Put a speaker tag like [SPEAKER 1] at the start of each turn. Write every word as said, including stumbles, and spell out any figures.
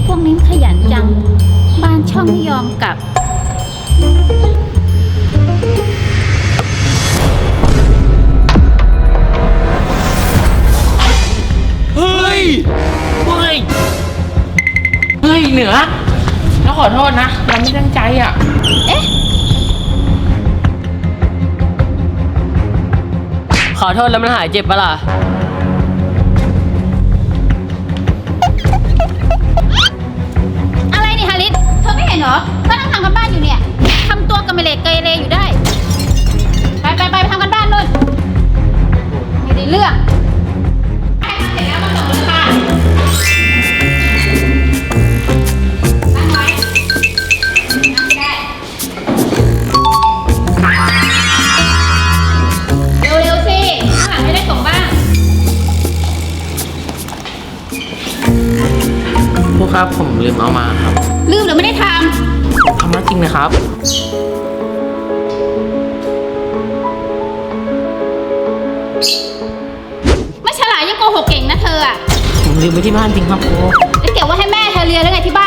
[SPEAKER 1] พวกนี้ขยันจังบ้านช่องไม่ยอมกลับ
[SPEAKER 2] เฮ้ยเฮ้ย
[SPEAKER 3] เฮ้ยเหนือเราขอโทษนะเราไม่ตั้งใจอ่ะเอ๊ะ
[SPEAKER 2] ขอโทษแล้วมันหายเจ็บปะล่ะ
[SPEAKER 1] อะไรนี่ฮาริสเธอไม่เห็นเหรอก็นั่งทำกันบ้านอยู่เนี่ยทำตัวกระเมเลกเกเรอยู่ได้ไปไปไปไปทำกันบ้านนู่นไม่ได้เรื่องไปเสร็จแล้วมาส่งเลยค่ะตั้งไว้นั่งได้เร็วๆสิข้างหลังไม่ได้ส่งบ้าง
[SPEAKER 3] ครูครับผมลืมเอามาครับ
[SPEAKER 1] ลืมหรือไม่ได้ท
[SPEAKER 3] ทำมาจริงนะครับ
[SPEAKER 1] ำไม่ฉลาดยังโกหกเก่งนะเธออะ
[SPEAKER 3] ผมลืมไปที่บ้านจริงครับครู
[SPEAKER 1] แล้วเก็บไว้ให้แม่เธอเรียนแล้วไงที่บ้าน